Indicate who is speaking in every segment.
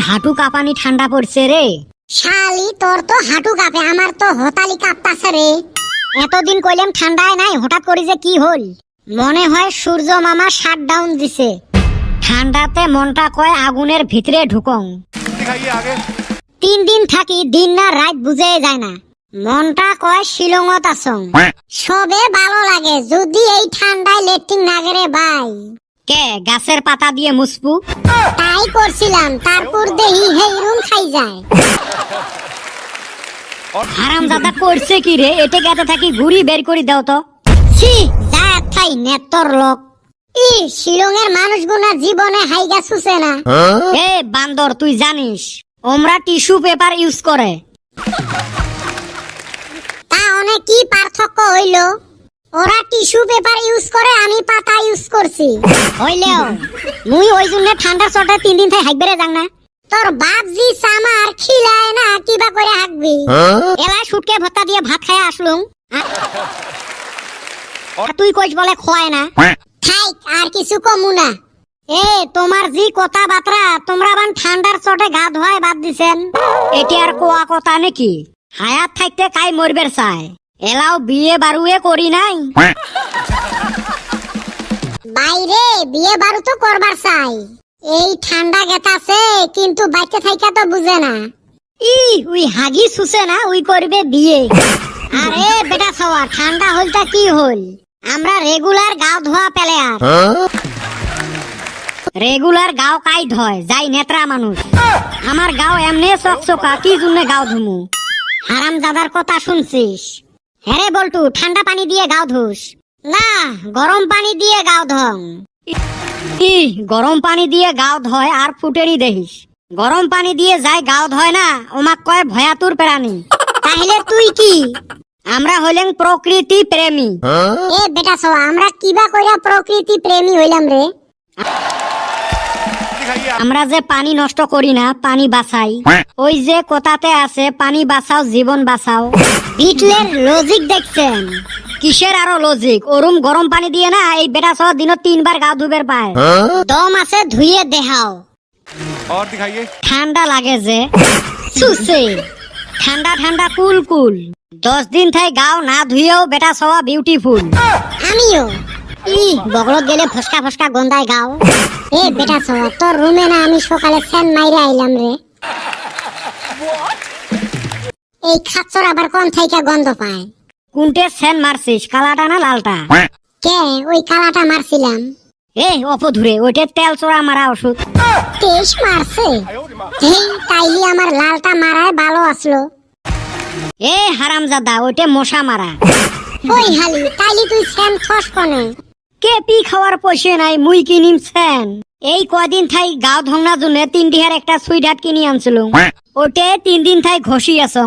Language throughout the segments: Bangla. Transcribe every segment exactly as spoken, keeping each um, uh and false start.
Speaker 1: হাঁটু কাঁপানি ঠান্ডা পড়ছে রে।
Speaker 2: শালি তোর তো হাঁটু কাঁপে, আমার তো হতালি কাঁপতাছে রে।
Speaker 1: এতদিন কইলাম ঠান্ডায় নাই, হঠাৎ করে যে কি হল? মনে হয় সূর্য মামা শাট ডাউন দিছে। ঠান্ডাতে মনটা কয় আগুনের ভিতরে ঢুকং। তিন দিন থাকি, দিন না রাত বুঝে যায় না। মনটা কয় শিলংত আসং।
Speaker 2: সবে ভালো লাগে যদি এই ঠান্ডায় লেট্রিন না গেরে ভাই।
Speaker 1: কে গাছের পাতা দিয়ে মুসপু?
Speaker 2: তাই করছিলাম, তারপর দেহি হেই রুম খাই যায়।
Speaker 1: হারামজাদা করছে কি রে? এতে গেতে থাকি ঘুরি বের করে দাও তো।
Speaker 2: ছি যা থাই নেতর লোক। ই শিলংয়ের মানুষগুনা জীবনে হাইগা সুসে না।
Speaker 1: এ বান্দর, তুই জানিস ওমরা টিস্যু পেপার ইউজ করে?
Speaker 2: তা অনেক কি পার্থক্য হইল? ওরা টিস্যু পেপার ইউজ করে, আমি পাতা ইউজ করছি।
Speaker 1: হইলেও মুই ওই জন্য ঠান্ডার চটে তিন দিন থেকে হাইকবেরে যাং না।
Speaker 2: তোর বাপ জি সামার খিলায় না, কিবা করে হাঁকবি?
Speaker 1: এলাই সুটকে ভত্তা দিয়ে ভাত খাইয়া আসলুম, আর তুই কইস বলে খোয়ায় না।
Speaker 2: থাইক আর কিছু কমু না।
Speaker 1: এ তোমার জি কথা বাতরা, তোমরা বান ঠান্ডার চটে গা ধোয়ায় বাদ দিছেন, এটি আর কোয়া কথা নাকি? হায়াত থাকতে কাই মরবের চায়, এলাও বিয়ে বারুয়ে করি নাই।
Speaker 2: বাইরে বিয়ে বারু তো করবার চাই, এই ঠান্ডা গেতাছে কিন্তু বাইতে থাইকা তো বুঝে না।
Speaker 1: ই উই হাগি সুসে না, উই করবে বিয়ে। আরে বেটা ছাওয়া, ঠান্ডা হলটা কি হল? আমরা রেগুলার গাও ধোয়া পেলে আর রেগুলার গাও কাই ধয় যাই নেত্রা মানুষ। আমার গাও এমনি চকচকা, কি জন্য গাও ধুমু? হারাম দাদার কথা শুনছিস? হ্যাঁ বলটু, ঠান্ডা পানি দিয়ে গাও ধুস না, গরম পানি দিয়ে গাও ধং। ই গরম পানি দিয়ে গাও ধয় আর ফুটেরই দেখিস। গরম পানি দিয়ে যাই গাও ধয় না, ওমাক কয় ভয়াতুর প্রাণী। তাহলে তুই কি? আমরা হইলেন প্রকৃতি প্রেমী।
Speaker 2: এ বেটা ছাওয়া, আমরা কিবা কইরা প্রকৃতি প্রেমী হইলাম রে?
Speaker 1: আমরা যে পানি নষ্ট করি না, পানি বাঁচাই। ওই যে কথাতে আছে, পানি বাঁচাও জীবন বাঁচাও। বিটলের লজিক দেখছেন? কিসের আরো লজিক? ওরুম গরম পানি দিয়ে না এই বেটা সহ দিনত তিনবার গা ধুবের পায়। দম আছে ধুয়ে দেখাও। ঠান্ডা লাগে যে সুসে, ঠান্ডা ঠান্ডা কুল কুল। দশ দিন থাই গাও না ধুয়েও বেটা সওয়া বিউটিফুল।
Speaker 2: আমিও
Speaker 1: ই বগলত গেলে ফসকা ফসকা গন্ধায় গাও।
Speaker 2: এ বেটা ছাওয়া, তোর রুমে না আমি সকালে ফ্যান মাইরে আইলাম রে। এই খাচ্চর আবার কোন থাইকা গন্ধ পায়?
Speaker 1: কোনটে সেন মারছিস, কালাটা না লালটা?
Speaker 2: কে ওই কালাটা মারছিলাম।
Speaker 1: এ অপধুরে, ওইটা তেল চোরা মারা ওষুধ।
Speaker 2: তেইশ মারছে? হেই তাইলি আমার লালটা মারায় ভালো আসলো।
Speaker 1: এ হারামজাদা, ওইটা মশা মারা।
Speaker 2: ওই হালি তাইলি তুই ফ্যান খস কোনে?
Speaker 1: কে পি খাওয়ার পয়সা নাই, মুই কিনিম সেন। এই কদিন থাই গাও ধংনা জন্য তিন ডিহার একটা সুইট হাট কিনি আনছিল, ওটে তিন দিন থাই ঘষি আসং।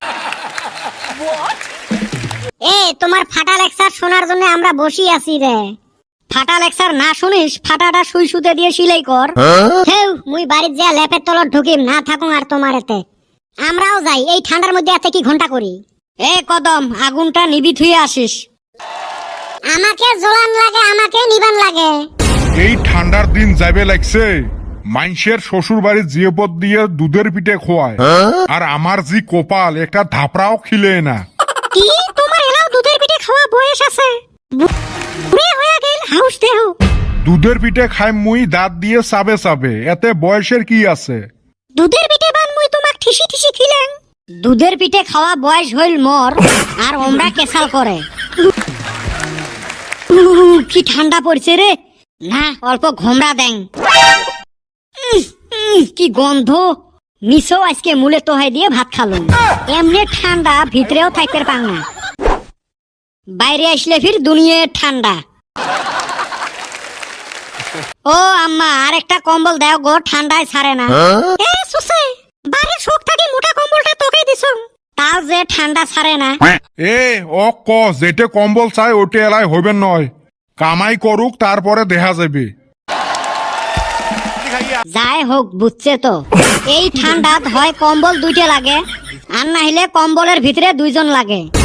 Speaker 1: এ তোমার ফাটা লেকচার শোনার জন্য আমরা বসি আছি রে। ফাটা লেকচার না শুনিস, ফাটাটা সুই সুতে দিয়ে সিলাই কর। হেউ মুই বাড়ির যা ল্যাপের তলত ঢুকিম না থাকুন আর তোমার এতে। আমরাও যাই, এই ঠান্ডার মধ্যে এতে কি ঘন্টা করি। এ কদম, আগুনটা নিবি থুয়ে আসিস।
Speaker 2: আমাকে জ্বলান লাগে, আমাকে নিবান লাগে।
Speaker 3: এই ঠান্ডার দিন যাবে লাগছে, মাইনসের শ্বশুর বাড়ির জিয়েপদ দিয়ে দুধের পিঠে খোয়ায়, আর আমার জি কপাল একটা ধাপড়াও খিলে না।
Speaker 1: কি তোমার এলাও দুধের পিঠে খাওয়া বয়স আছে? বুড়ে হয়ে গেল হাউস দেহ।
Speaker 3: দুধের পিঠে খাই মুই দাঁত দিয়ে চাবে চাবে, এতে বয়সের কি আছে?
Speaker 1: দুধের পিঠে বান মুই তোমাক ঠিসি ঠিসি খিলেন। দুধের পিঠে খাওয়া বয়স হইল মোর, আর ওমরা কেসাল করে। উহ, কি ঠান্ডা পড়ছে রে। না অল্প ঘোমরা দেন। উহ, উহ, কি গন্ধ। নিচেও আজকে মুলে তোহাই দিয়ে ভাত খালুম। এমনি ঠান্ডা, ভিতরেও থাকতে পাং না। বাইরে আসলে ফির দুনিয়ে ঠান্ডা। ও আম্মা, আর একটা কম্বল দাও গো, ঠান্ডায় ছাড়ে না। এ সুসে, বাড়ির শোক থাকি মোটা কম্বলটা তোকে দিছো, তাও যে ঠান্ডা ছাড়ে না।
Speaker 3: এ ও ক যেটে কম্বল চাই ওটে এলাই হইবেন নয়, কামাই করুক তারপরে দেখা যাবে।
Speaker 1: যাই হোক বুঝছে তো, এই ঠান্ডাত হয় কম্বল দুইটা লাগে, আর না হলে কম্বলের ভিতরে দুইজন লাগে।